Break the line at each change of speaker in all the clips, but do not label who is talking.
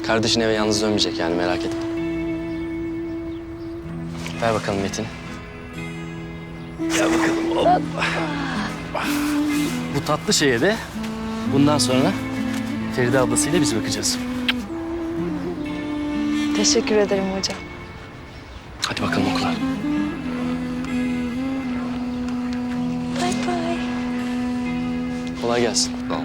Kardeşin eve yalnız dönmeyecek yani, merak etme. Ver bakalım Metin. Gel bakalım. Hoppa. Bu tatlı şeye de bundan sonra Feride ablasıyla biz bakacağız.
Teşekkür ederim hocam.
Hadi bakalım okula.
Bay bay.
Kolay gelsin.
Tamam.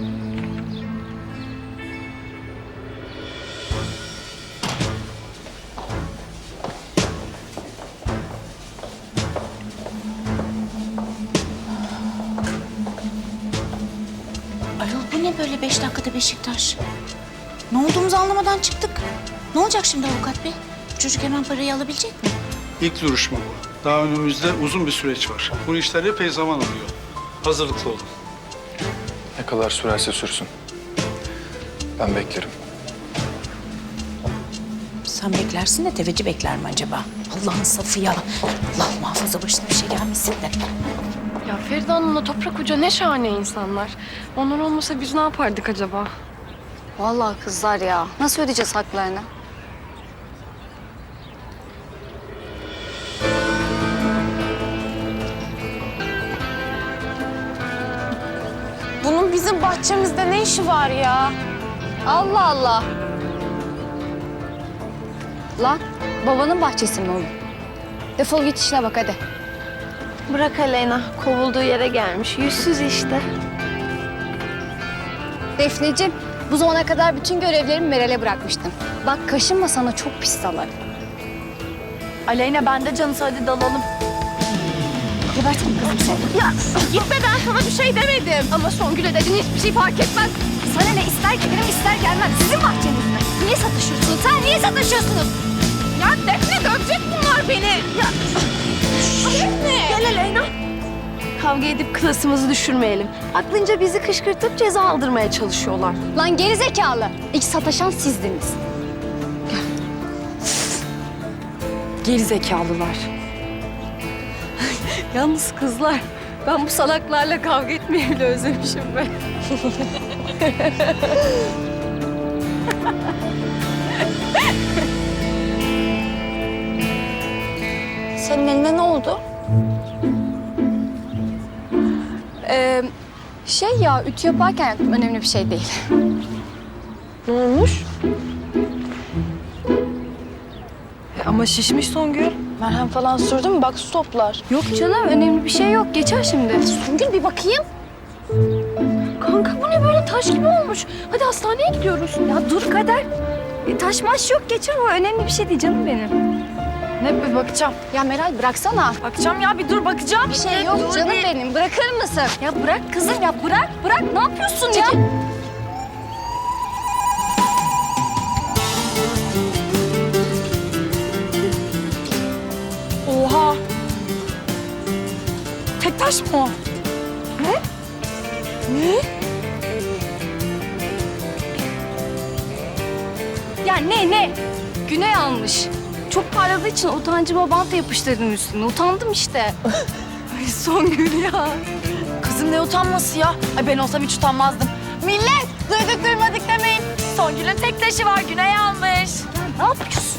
Ayol bu ne böyle 5 dakikada Beşiktaş? Ne olduğumuzu anlamadan çıktık. Ne olacak şimdi avukat bey? Çocuk hemen parayı alabilecek mi?
İlk duruşma bu. Daha önümüzde uzun bir süreç var. Bu işler epey zaman alıyor. Hazırlıklı olun.
Ne kadar sürerse sürsün. Ben beklerim.
Sen beklersin de tefeci bekler mi acaba? Allah'ın safı ya. Allah muhafaza başına bir şey gelmesin de.
Ya Feride Hanım'la Toprak Hoca ne şahane insanlar. Onlar olmasa biz ne yapardık acaba?
Vallahi kızlar ya. Nasıl ödeyeceğiz haklarını?
Bunun bizim bahçemizde ne işi var ya?
Allah Allah. Lan babanın bahçesi mi oğlum? Defol git işine bak hadi.
Bırak Aleyna. Kovulduğu yere gelmiş. Yüzsüz işte.
Defneciğim, bu zamana kadar bütün görevlerimi Meral'e bırakmıştım. Bak kaşınma, sana çok pis salarım.
Aleyna bende canısı, hadi dalalım.
Gebertin kızım seni.
Ya gitme, ben sana bir şey demedim. Ama Songül'e dedin, hiçbir şey fark etmez.
Sana ne, ister gelirim ister gelmem. Sizin bahçeniz mi? Niye satışıyorsunuz? Sen niye satışıyorsunuz?
Ya Defne, dövecek bunlar beni. Ya Defne. Gel Aleyna. Kavga edip klasımızı düşürmeyelim. Aklınca bizi kışkırtıp ceza aldırmaya çalışıyorlar.
Lan geri zekalı. İlk sataşan sizdiniz.
Geri zekalılar. Yalnız kızlar, ben bu salaklarla kavga etmeyi bile özlemişim ben.
Senin eline ne oldu? Şey ya, ütü yaparken yaptım. Önemli bir şey değil.
Ne olmuş? Ama şişmiş Songül.
Merhem falan sürdün mü? Bak su toplar.
Yok canım, önemli bir şey yok. Geçer şimdi. Songül bir bakayım.
Kanka bu ne böyle, taş gibi olmuş. Hadi hastaneye gidiyoruz.
Ya dur Kader. Taş maş yok, geçer o. Önemli bir şey değil canım benim.
Ne, bir bakacağım.
Ya Meral bıraksana.
Bakacağım ya, bir dur bakacağım.
Bir şey yok canım benim. Bırakır mısın? Ya bırak kızım ya, bırak. Bırak, ne yapıyorsun ya?
Oha. Tek taş mı o? Ne? Ne?
Ya ne? Güney almış. Çok parladığı için utancıma bantla yapıştırdım üstüne. Utandım işte.
Ay Songül ya. Kızım ne utanması ya? Ay ben olsam hiç utanmazdım. Millet, duyduk duymadık demeyin. Songül'ün tek taşı var, Güney almış.
Ne yapıyorsun?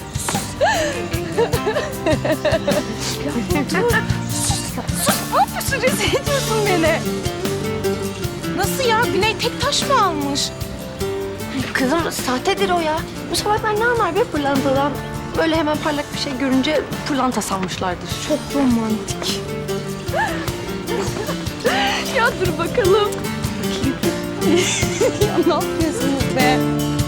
Sus, ne yapıyorsun? Rezil ediyorsun beni. Nasıl ya? Güney tek taş mı almış? Kızım sahtedir o ya. Bu salaklar ne anlar be pırlantadan? Böyle hemen parlak bir şey görünce pırlanta sanmışlardır. Çok romantik. Ya dur bakalım.
Ya ne yapıyorsunuz be?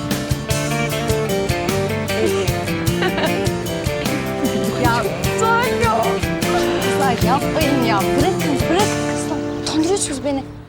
Ya
Sanyo.
kızlar yapmayın ya. Bırakın. Kızlar. Utandırıyorsunuz beni.